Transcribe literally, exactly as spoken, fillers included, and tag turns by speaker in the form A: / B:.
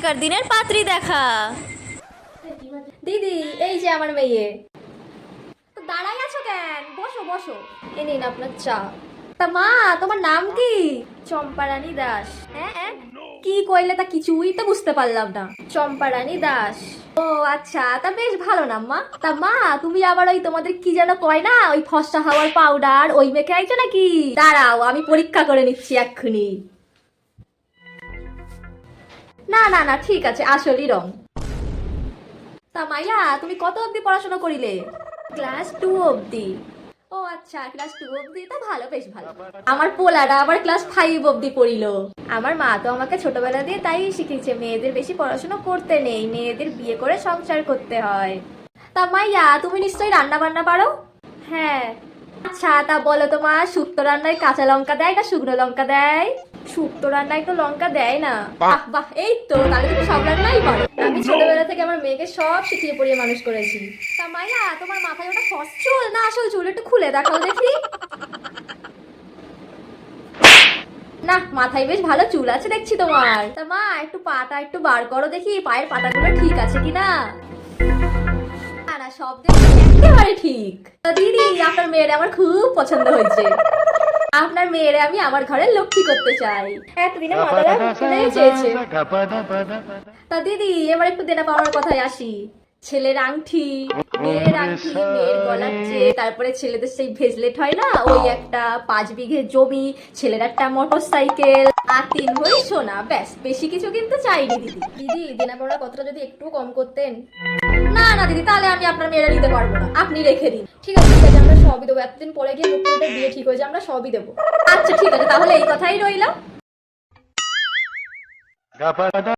A: আগেকার দিনের পাত্রী দেখা।
B: দিদি, এই যে আমার মেয়ে। তো দাঁড়াই আছো কেন? বসো বসো, এ নিন আপনার চা। তা মা, তোমার নাম কি? চম্পারানী দাস। হ্যাঁ হ্যাঁ, কি কইলে তা কিছুই তো বুঝতে পারলাম না। চম্পারানী দাস। ও আচ্ছা, তা বেশ ভালো নাম মা। তা মা, তুমি আবার ওই তোমাদের কি যেন কয় না, ওই ফর্সা হাওয়ার পাউডার ওই মেখে আইছো নাকি? দাঁড়াও, আমি পরীক্ষা করে নিচ্ছি এক্ষুনি। না না না, ঠিক আছে, আসলই রং। তা মাইয়া, তুমি কত অবধি পড়াশোনা করিলে? ক্লাস টু অবধি। ও আচ্ছা, ক্লাস টু অবধি, তা ভালো, বেশ ভালো। আমার পোলাটা আবার ক্লাস ফাইভ অবধি পড়িল। আমার মা তো আমাকে ছোটবেলা দিয়ে তাই শিখিয়েছে, মেয়েদের বেশি পড়াশোনা করতে নেই, মেয়েদের বিয়ে করে সংসার করতে হয়। তা মাইয়া, তুমি নিশ্চয়ই রান্না বান্না পারো? হ্যাঁ। আচ্ছা, তা বলো তো মা, শুক্তো রান্নায় কাঁচা লঙ্কা দেয় না শুকনো লঙ্কা দেয়? শুক্তো রান্নায় তো লঙ্কা দেয় না। বাহ বাহ, এই তো, তাহলে তুমি সব রান্নাই পারো। আমি ছোটবেলা থেকে আমার মেয়েকে সব শিখিয়ে পড়িয়ে মানুষ করেছি। তা মাইয়া, তোমার মাথায় ওটা ফস চুল না আসল চুল? একটু খুলে দেখাও দেখি। না, মাথায় বেশ ভালো চুল আছে দেখছি তোমার। তা মা, একটু পাটা একটু বার করো দেখি, পায়ের পাতাগুলো ঠিক আছে কিনা। না না, সব দেখছি একেবারে ঠিক। তা দিদি, আপনার মেয়ের আমার খুব পছন্দ হয়েছে। আপনার মেয়েরে আমি আমার ঘরে লক্ষ্মী করতে চাই। এতদিনে মাতারা শুনেই চেয়েছে। তা দিদি, এবার একটু দেনা পাওয়ার কথায় আসি। ছেলের আংটি, মেয়ের আংটি, মেয়ের গলার চেয়ে, তারপরে ছেলেদের সেই ভেজলেট হয় না, ওই একটা পাঁচ বিঘে জমি, ছেলের একটা মোটর সাইকেল, আর তিন ভরি সোনা, ব্যাস, বেশি কিছু কিন্তু চাইনি দিদি। দিদি, দেনা পাওয়ার কথাটা যদি একটু কম করতেন। না না দিদি, তাহলে আমি আপনার মেয়েরা নিতে পারবো না, আপনি রেখে দিন। ঠিক আছে ঠিক আছে, আমরা সবই দেবো, এতদিন পরে গিয়ে মুখ্যমন্ত্রী বিয়ে ঠিক হয়েছে, আমরা সবই দেবো। আচ্ছা ঠিক আছে, তাহলে এই কথাই রইলো।